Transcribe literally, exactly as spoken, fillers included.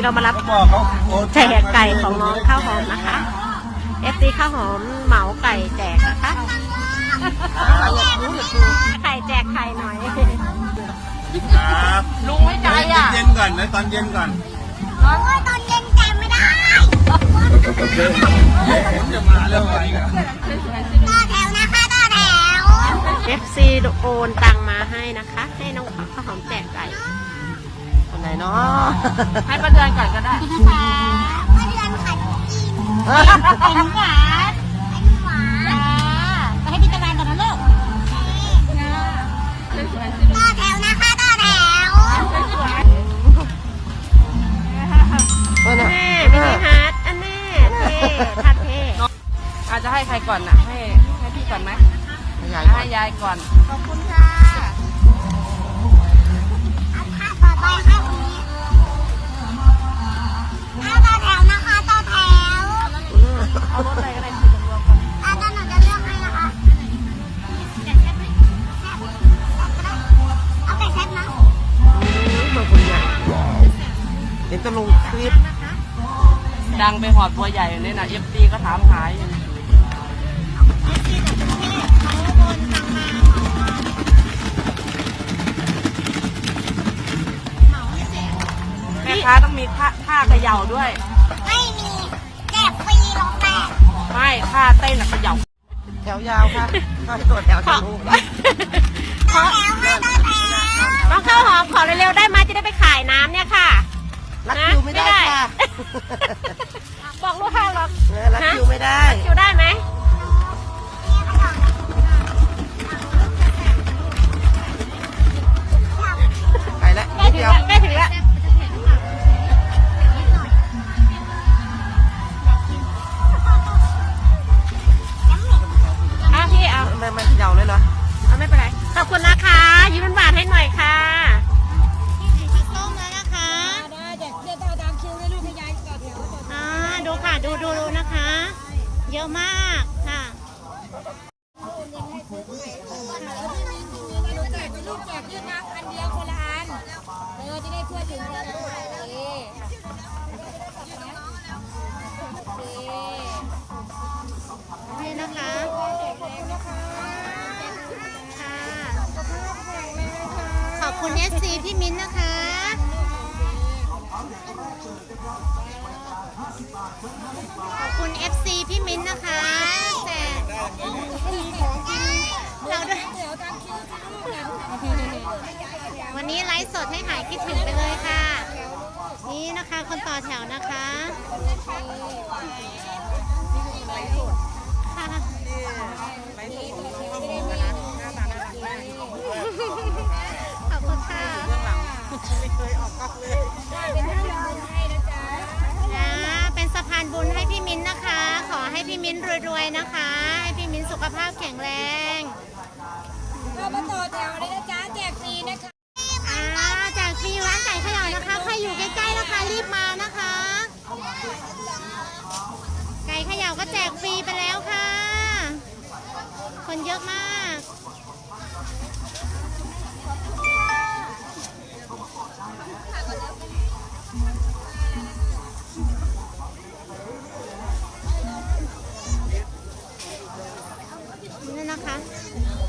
ก็มารับแจกไก่ของน้องข้าวหอมนะคะเอฟซีข้าวหอมเหมาไก่แจกนะคะไข่แจกไข่หน่อยครับลุงไม่ใจอ่ะเย็นก่อนนะตอนเย็นก่อนตอนเย็นแจกไม่ได้ผมจะมาแล้วไปกันต่อแถวนะคะต่อแถวเอฟซีโอนตังมาให้นะคะให้น้องข้าวหอมแจกไก่คนไหนเนาะให้ประเดือนก่อนก็ได้นะคะประเดือนขัดกินไข่หวานไข่หวานไปให้พี่ตะวันก่อนนะลูกต่อแถวนะคะต่อแถวแม่ไม่ได้ฮัทอันแน่เท่ทัดเท่อาจจะให้ใครก่อนน่ะให้ให้พี่ก่อนไหมให้ยายก่อนขอบคุณค่ะเอาค่ะต่อไปให้คนนี้เอาต่อแถวนะคะต่อแถวเอารถอะไรก็ได้คุยรวมกันอาจารย์หนูจะเลือกให้นะคะเอาไก่แซ่บนะขอบคุณใหญ่เดี๋ยวจะลงคลิปดังไปหอดบัวใหญ่เลยนะเอฟซีก็ถามหายอยู่แม่ค้าต้องมีท่าท่าเขย่าด้วยไม่มีแจกฟรีลงแตกไม่ท่าเต้นเขย่าแถวยาวค่ะตัวแถวจะลูกต่อแถวค่ะต่อแถวน้องข้าวหอมขอเร็วๆได้ไหมจะได้ไปขายน้ำเนี่ยค่ะรักคิวไม่ได้ค่ะบอกลูกค้าหรอกรักคิวไม่ได้คิวได้ไหมไปแล้วใกล้ถึงแล้วใกล้ถึงแล้วอ่ะพี่เอาไม่ไม่เขย่าเลยเหรอเอาไม่เป็นไรขอบคุณนะคะยิ้มหวานให้หน่อยค่ะดูค่ะดูดูดูนะคะเยอะมากค่ะลูกแจกยืดน้ำอันเดียวคนละอันเออจะได้ทั่วถึงกันนี่นะคะค่ะขอบคุณเอสซีพี่มิ้นนะคะขอบคุณ เอฟ ซี พี่มิ้นนะคะแต่เราด้วยวันนี้ไลฟ์สดให้หายคิดถึงไปเลยค่ะนี่นะคะคนต่อแถวนะคะค่ะขอบคุณค่ะเป็นสะพานบุญให้พี่มิ้นนะคะขอให้พี่มิ้นรวยๆนะคะให้พี่มิ้นสุขภาพแข็งแรงเรามาต่อแถวเลยนะจ๊ะแจกฟรีนะคะอ่าแจกฟรีร้านไก่ขยะนะคะใครอยู่ใกล้ๆนะคะรีบมานะคะไก่ขยะก็แจกฟรีไปแล้วค่ะคนเยอะมากนี่นะคะ